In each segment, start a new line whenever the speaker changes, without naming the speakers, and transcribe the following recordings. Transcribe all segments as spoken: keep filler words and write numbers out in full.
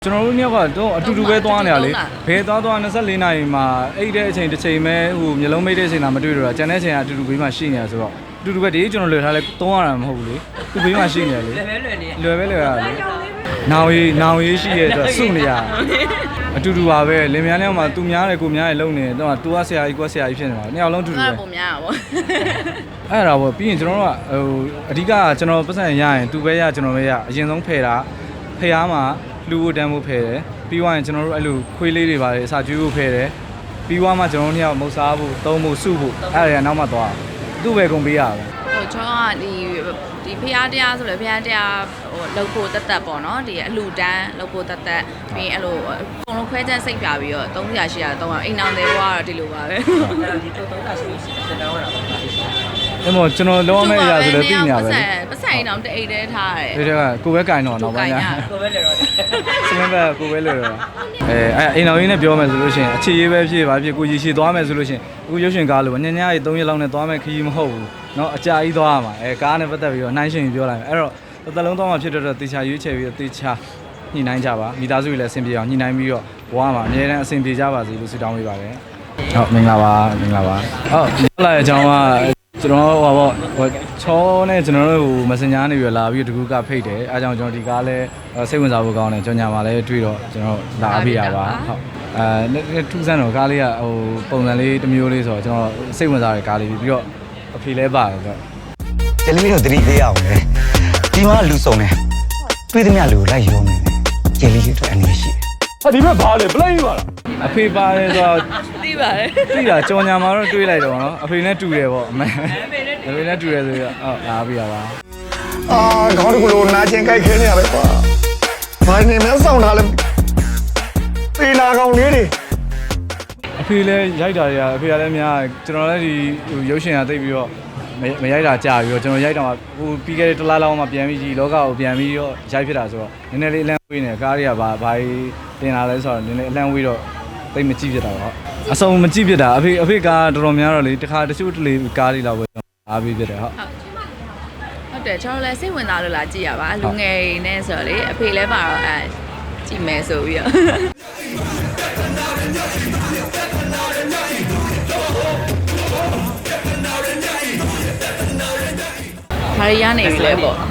ကျွန်တော်တို့ညကတော့အတူတူပဲသွားနေရလေဘယ်သွားသွား၂၄နာရီမှာအိတ်တဲ့အချိန်တစ်ချိန်ပဲဟိုမျိုးလုံးမိတ်တဲ့အချိန်သာမတွေ့တော့တာကျန်တဲ့အချိန်ကအတူတူဘေးမှာရှိနေရဆိုတော့အတူတူပဲဒီကျွန်တော်လွယ်ထားလဲသုံးရတာမဟုတ်ဘူးလေသူဘေးမှာရှိနေရလေလွယ်ပဲလွယ်နေလွယ်ပဲလွယ်ရလေနောင်ရီနောင်ရီရှိရဲ့အတွက်စုနေရအတူတူပါပဲလင်မယားနဲ့မှသူများတယ်ကိုများတယ်လုံနေတော့တူကဆရာကြီးကွက်ဆရာကြီးဖြစ်နေပါနှစ်ယောက်လုံးအတူတူပဲ
ပုံများပါဗော
အဲ့ဒါပေါ့ပြီးရင်ကျွန်တော်တို့ကဟိုအဓိကကျွန်တော်ပတ်စံရရင်သူပဲရကျွန်တော်ပဲရအရင်ဆုံးဖယ်တာဖျားမှာလူ့ကိုတန်းဖို့ဖယ်တယ်ပြီးသွားရင်ကျွန်တော်တို့အဲ့လိုခွေးလေးတွေပါတယ်အစာကျွေးဖို့ဖယ်တယ်ပြီးသွားမှကျွန်တော်တို့နှစ်ယောက်မုတ်စားဖို့သုံးဖို့စုဖို့အဲ့ဒါကနောက်မှသွားသူ့ပဲကုန်ပေးရတာ
ဟိုကျွန်တော်ကဒီဒီဖျားတရားဆိုလေဖျားတရားဟိုလောက်ဖို့တက်တက်ပေါ့နော်ဒီအလှတန်းလောက်ဖို့တက်တက်ပြီးအဲ့လိုအကုန်လုံးခွဲချမ်းစိတ်ပြပြီးတော့သုံးရာရှိရာသုံးအောင်အိမ်အောင်တွေဘွားတော့ဒီလိုပါပဲ
ဒီတော့သုံးတာရှိရှိစတောင်းရတာပါ
အဲ့မို့ကျွန်တော်လုံးဝမရဆိုလည်းသိညာပဲ
ပတ်ဆိုင်အိမ်အောင်တအိတ်တည်းထားတယ်
ဒီကကိုပဲကင်တော့တော့ဗျာ
ကိုပဲလေတော့
စမင်းပဲကိုပဲလေတော့အဲအဲ့အိမ်တော်ရင်းနဲ့ပြောမယ်ဆိုလို့ရှိရင်အခြေရေးပဲဖြစ်ပါဖြစ်ကိုကြီးရှည်သွားမယ်ဆိုလို့ရှိရင်အခုရုပ်ရှင်ကားလို့ညညရေး၃ရက်လောက်နဲ့သွားမယ်ခရီးမဟုတ်ဘူးเนาะအကြာကြီးသွားရမှာအဲကားနဲ့ပတ်သက်ပြီးတော့နှိုင်းရှင်ပြောလိုက်မယ်အဲ့တော့တစ်သက်လုံးသွားမှဖြစ်တော့တေချာရွေးချယ်ပြီးတော့တေချာညှိနှိုင်းကြပါမိသားစုတွေလည်းအဆင်ပြေအောင်ညှိနှိုင်းပြီးတော့ဘဝမှာအမြဲတမ်းအဆင်ပြေကြပါစေလို့ဆုတောင်းပေးပါတယ်ဟုတ်မင်္ဂလာပါမင်္ဂလာပါဟုတ်ပြောလာတဲ့အကြောင်းကကျွန်တော်ဟိုပေါ့ဟိုချောနဲ့ကျွန်တော်တို့ဟို Messenger နေပြီးလာပြီးတကူကဖိတ်တယ်အဲအကြောင်းကျွန်တော်ဒီကားလဲစိတ်ဝင်စားဖို့ကောင်းတယ်ကြော်ညာမှာလဲတွေ့တော့ကျွန်တော်လာပေးရပါဟုတ်အဲထူးဆန်းတော့ကားလေးကဟိုပုံစံလေးတစ်မျိုးလေးဆိုတော့ကျွန်တော်စိတ်ဝင်စားတဲ့ကားလေးပြီးတော့အဖေလဲပါတယ်ဆိုတော့
ကျလီမီတို့တတိသေးအောင်လေဒီမှာလူစုံတယ်တွေးသမျှလူကိုလိုက်ရောနေတယ်ကျလီတို့အနေရှိတယ်
ဟာဒီဘက်ဘာလဲပလိုက်ပါလားအဖေပါတယ်ဆိုတော့
သိပါတယ်
သိတာကြော်ညာမှာတော့တွေးလိုက်တော့နော်အဖေနဲ့တူတယ်ပေါ့အမေအဖေနဲ့တူတယ်ဆိုတော့ဟုတ်လာပြီပါ
အာခေါင်းတကူလိုနာကျင်ကြိုက်ခဲနေရပဲကွာဘာနေမဲဆောင်တာလဲပေနာကောင်လေးတွေ
အဖေလည်းရိုက်တာတွေကအဖေကလည်းများကျွန်တော်လည်းဒီရုပ်ရှင်ကသိပြီးတော့မရိုက်တာကြာပြီးတော့ကျွန်တော်ရိုက်တာမှာဟိုပြီးခဲ့တဲ့တစ်လားလောက်မှပြန်ပြီးကြီးလောကကိုပြန်ပြီးတော့ရိုက်ဖြစ်တာဆိုတော့နည်းနည်းလေးအလန့်ဝေးနေကားတွေကဘာဘာတင်လာလဲဆိုတော့နည်းနည်းအလန့်ဝေးတော့သိမကြည့်ဖြစ်တာပေါ့အစုံမကြည့်ဖြစ်တာအဖေအဖေကားတော်တော်များတော့လေတခါတချို့တလေကားတွေလောက်ပဲအားပေးဖြစ်တယ်ဟုတ်
ဟုတ်တယ်ကျွန်တော်လည်းစိတ်ဝင်စားလို့လာကြည့်ရပါလူငယ်နဲ့ဆိုတော့လေအဖေလည်းပါတော့အဲကြည့်မယ်ဆိုပြီးတော့ခါရရနေပြီလေပေါ့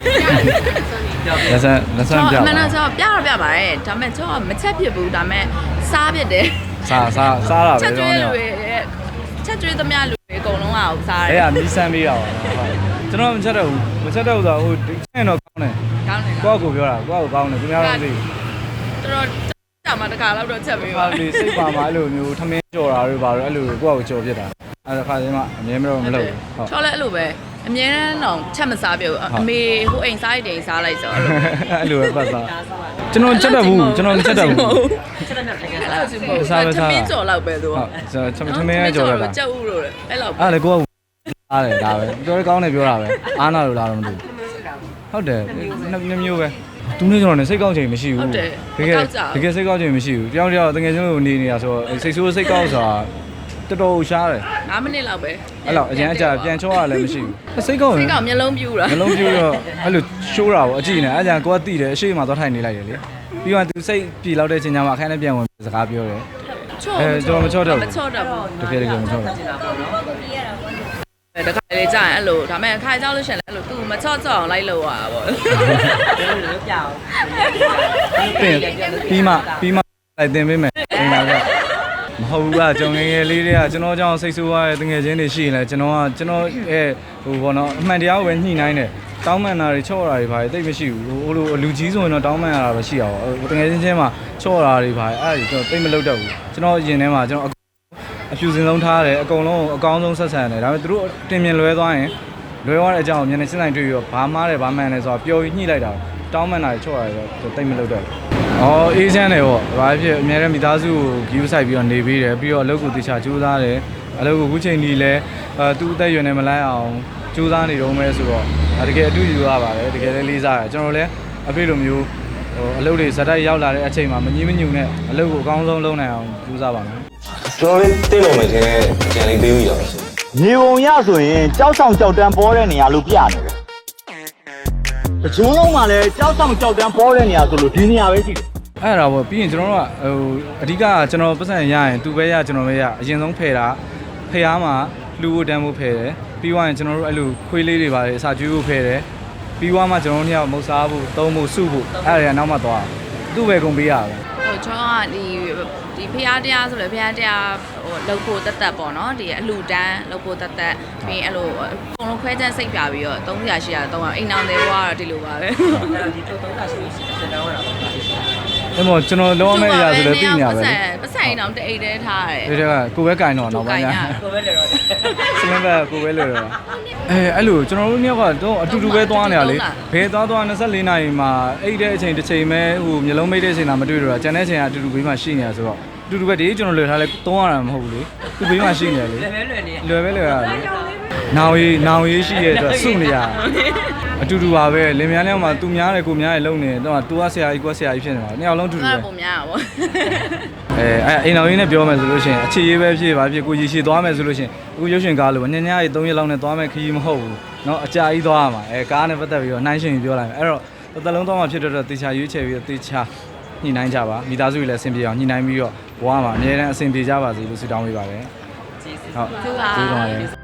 လက်ဆန်လက်ဆန်ပြ
မနော်ကျွန်တော်ပြတော့ပြပါတယ်ဒါပေမဲ့ကျွန်တော်မချက်ဖြစ်ဘူးဒါပေမဲ့စားဖြစ်တယ်
စားစားစားတာပဲ
ချက်ကျွေးလူတွေချက်ကျွေးသမျှလူတွေအကုန်လုံးအောင်စားတယ်
အဲ့ဒါမီးစမ်းပေးတာပါဟုတ်ကျွန်တော်မချက်တော့ဘူးမချက်တော့ဘူးဆိုတော့ဟိုချက်တော့ကောင်းတယ်
ကောင်းတယ်
ကိုယ့်ကိုပြောတာကိုယ့်ကိုကောင်းတယ်သူများတော့သိ
တော်တော်ကြာမှတခါတော့တော့ချက်ပေးပါ
လေစိတ်ပါမှာအဲ့လိုမျိုးထမင်းကြော်တာတွေပါတော့အဲ့လိုကိုယ့်ကိုကြော်ဖြစ်တာအဲ့ဒါခါချင်းမှအမြဲမလို့မလုပ်ဘူး
ဟုတ်ချောလဲအဲ့လိုပဲအမြဲတမ်းတော့ချက်မစားပြဘူးအမေဟိုအိမ်စားအိမ်စားလိုက်ဆို
အဲ့လိုပဲပတ်စားကျွန်တော်ချက်တတ်ဘူးကျွန်တော်ချက်တတ်ဘူး
ချက်တတ်တယ်ခင်ဗျာ
စားပဲစားမင်းကြော်လောက်ပဲသူ
ဟုတ်ကျွန်တော်ထမင်းကြော်ရတာ
ချက်ဦးလို့အဲ့လောက်
အဲ့လေကိုကအားတယ်ဒါပဲပြောရကောင်းတယ်ပြောတာပဲအားနာလို့လားတော့မသိဘူးဟုတ်တယ်နှစ်မျိုးပဲသူနဲ့ကျွန်တော်နဲ့စိတ်ကောင်းချိန်မရှိဘူးတကယ်တကယ်စိတ်ကောင်းချိန်မရှိဘူးတယောက်တယောက်တကယ်ကျွန်တော်နေနေတာဆိုတော့စိတ်ဆိုးစိတ်ကောင်းဆိုတာတော်တော်ရှားတယ်
၅မိနစ်လောက်ပဲ
အဲ့လောက်အရင်အကြာပြန်ချောရလည်းမရှိဘူးစိတ်ကောင်း
စိတ်ကောင်းမျက်လုံးပြူတာ
မျက်လုံးပြူတော့အဲ့လိုရှိုးတာပေါ့အကြည့်နေအဲ့ကြာကိုကတိတယ်အရှိမသွားထိုင်နေလိုက်တယ်လေပြီးတော့သူစိတ်ပြေလောက်တဲ့ချိန်ကျမှအခန်းထဲပြန်ဝင်စကားပြောတယ်
အဲ
ကျွန်တော်မချော့တော့
ဘူးမချော့တော့ဘူး
တကယ်တကယ်မချော့ဘူး
တခါလေကြာရင်အဲ့လိုဒါပေမဲ့ခါကြောက်လို့ရှင်လဲအဲ့လိုသူမချော့ချော့အောင်လိုက်လို့ရတာပေါ့
လို့ပြအောင်
ပြီးမှပြီးမှလိုက်တင်ပေးမယ်ဒီမှာကမဟုတ်ဘူးကကျွန်တော်ငယ်ငယ်လေးတွေကကျွန်တော်ကြောင့်စိတ်ဆိုးရတဲ့တငယ်ချင်းတွေရှိရင်လည်းကျွန်တော်ကကျွန်တော်အဲဟိုဘောနော်အမှန်တရားကိုပဲညှိနှိုင်းတယ်တောင်းပန်တာတွေချော့တာတွေဘာတွေသိမရှိဘူးဟိုလိုလူကြီးဆိုရင်တော့တောင်းပန်ရတာပဲရှိရပါဘူးတငယ်ချင်းချင်းမှာချော့တာတွေဘာတွေအဲ့ဒါကျွန်တော်သိမလုပ်တတ်ဘူးကျွန်တော်ရင်ထဲမှာကျွန်တော်အဖြူစင်ဆုံးထားတယ်အကုန်လုံးအကောင်းဆုံးဆက်ဆံတယ်ဒါပေမဲ့သူတို့တင်မြင်လွဲသွားရင်လွဲသွားတဲ့အကြောင်းကိုမျက်နှာချင်းဆိုင်တွေ့ပြီးတော့ဘာမားတယ်ဘာမှန်တယ်ဆိုတော့ပျော်ပြီးညှိလိုက်တာတောင်းပန်တာတွေချော့တာတွေတော့သိမလုပ်တတ်ဘူးအော်အေးချမ်းတယ်ပေါ့ဘာဖြစ်အများနဲ့မိသားစုကိုဂီးဆိုင်ပြီးတော့နေပေးတယ်ပြီးတော့အလုပ်ကိုတေချာကြိုးစားတယ်အလုပ်ကိုခုချိန်ကြီးလဲအဲသူ့အသက်ရွယ်နေမလိုက်အောင်ကြိုးစားနေတော့မဲဆိုတော့တကယ်အတူယူရပါတယ်တကယ်လည်းလေးစားတယ်ကျွန်တော်လည်းအဖေလိုမျိုးဟိုအလုပ်တွေဇာတ်တိုက်ရောက်လာတဲ့အချိန်မှာမငြင်းမညူနဲ့အလုပ်ကိုအကောင်းဆုံးလုပ်နိုင်အောင်ကြိုးစားပါမယ်
ကျွန်တော်လေးတင့်လို့မယ်ခြင်းနဲ့ကြံလေးပေးပြီးတော့
မြေပုံရဆိုရင်ကြောက်ဆောင်ကြောက်တန်းပေါ်တဲ့နေရာလို့ပြနေတယ်တချို့လုံးမှလည်းကြောက်ဆောင်ကြောက်တန်းပေါ်တဲ့နေရာဆိုလို့ဒီနေရာပဲရှိတယ်
အဲ့ဒါပေါ့ပြီးရင်ကျွန်တော်တို့ကဟိုအဓိကကျွန်တော်ပတ်စံရရင်သူပဲရကျွန်တော်ပဲရအရင်ဆုံးဖယ်တာဖယ်အားမှာလူကိုတန်းဖို့ဖယ်တယ်ပြီးသွားရင်ကျွန်တော်တို့အဲ့လိုခွေးလေးတွေပါတယ်အစာကျွေးဖို့ဖယ်တယ်ပြီးသွားမှကျွန်တော်တို့ညမုတ်စားဖို့သုံးဖို့စုဖို့အဲ့ဒါကနောက်မှသွားသူ့ပဲကုန်ပေးရပဲ
ဟိုကျွန်တော်ကဒီဒီဖရားတရားဆိုလေဖရားတရားဟိုလောက်ဖို့တက်တက်ပေါ့နော်ဒီအလှတန်းလောက်ဖို့တက်တက်ပြီးရင်အဲ့လိုအကုန်လုံးခွဲချမ်းစိတ်ပြပြီးတော့သုံးရာရှိရာသုံးရာအိမ်အောင်တွေဘွားတော့ဒီလိုပါပဲ
အဲ့တော့ဒီတော့သုံးတာရှိရှိစင်တောင်းရတာပါ
အဲ့မို့ကျွန်တော်လုံးဝမဲ့အရာဆိုလည်းသိညာပဲ
ပတ်စံအိမ်အောင်တအိတ်တည်းထားရတယ်
ဒီတက်ကကိုပဲကင်တော့နောက်ပိုင်းညာ
ကိုပဲလေတော့
စလင်းဘက်ကိုပဲလွယ်တော့အဲအဲ့လိုကျွန်တော်တို့ညကတော့အတူတူပဲသွားနေရလေဘယ်သွားသွား24နာရီမှာအိတ်တဲ့အချိန်တစ်ချိန်ပဲဟိုမျိုးလုံးမိတ်တဲ့အချိန်လာမတွေ့တော့ကျန်တဲ့အချိန်ကအတူတူဘေးမှာရှိနေရဆိုတော့အတူတူပဲဒီကျွန်တော်လွယ်ထားလဲသုံးရတာမဟုတ်ဘူးလေသူဘေးမှာရှိနေရလေ
လွယ်ပဲလွယ်နေ
လွယ်ပဲလွယ်ရလေနောင်ရီနောင်ရီရှိရတဲ့အတွက်စုနေရအတူတူပါပဲလင်မယားလေးမှာသူများတယ်ကိုများတယ်လုံနေတော့သူကဆရာကြီးကိုဆရာကြီးဖြစ်နေပါနှစ်ယောက်လုံးအတူတူ
အဲ့
ပဲ
ပုံများတာပေါ့
အဲအဲအိမ်တော်ရင်းနဲ့ပြောမယ်ဆိုလို့ရှိရင်အခြေရေးပဲဖြစ်ပါဖြစ်ကိုကြီးရှည်သွားမယ်ဆိုလို့ရှိရင်အခုရုပ်ရှင်ကားလို့ညညရေး၃ရက်လောက်နဲ့သွားမယ်ခရီးမဟုတ်ဘူးเนาะအကြာကြီးသွားရမှာအဲကားနဲ့ပတ်သက်ပြီးတော့နှိုင်းရှင်ပြောလိုက်မယ်အဲ့တော့တစ်သက်လုံးသွားမှဖြစ်တော့တေချာရွေးချယ်ပြီးတော့တေချာညှိနှိုင်းကြပါမိသားစုတွေလည်းအဆင်ပြေအောင်ညှိနှိုင်းပြီးတော့ဘဝမှာအများနဲ့အဆင်ပြေကြပါစေလို့ဆုတောင်းပေးပါတယ်ဟုတ်
သူက
ကျေးဇူးပါတယ်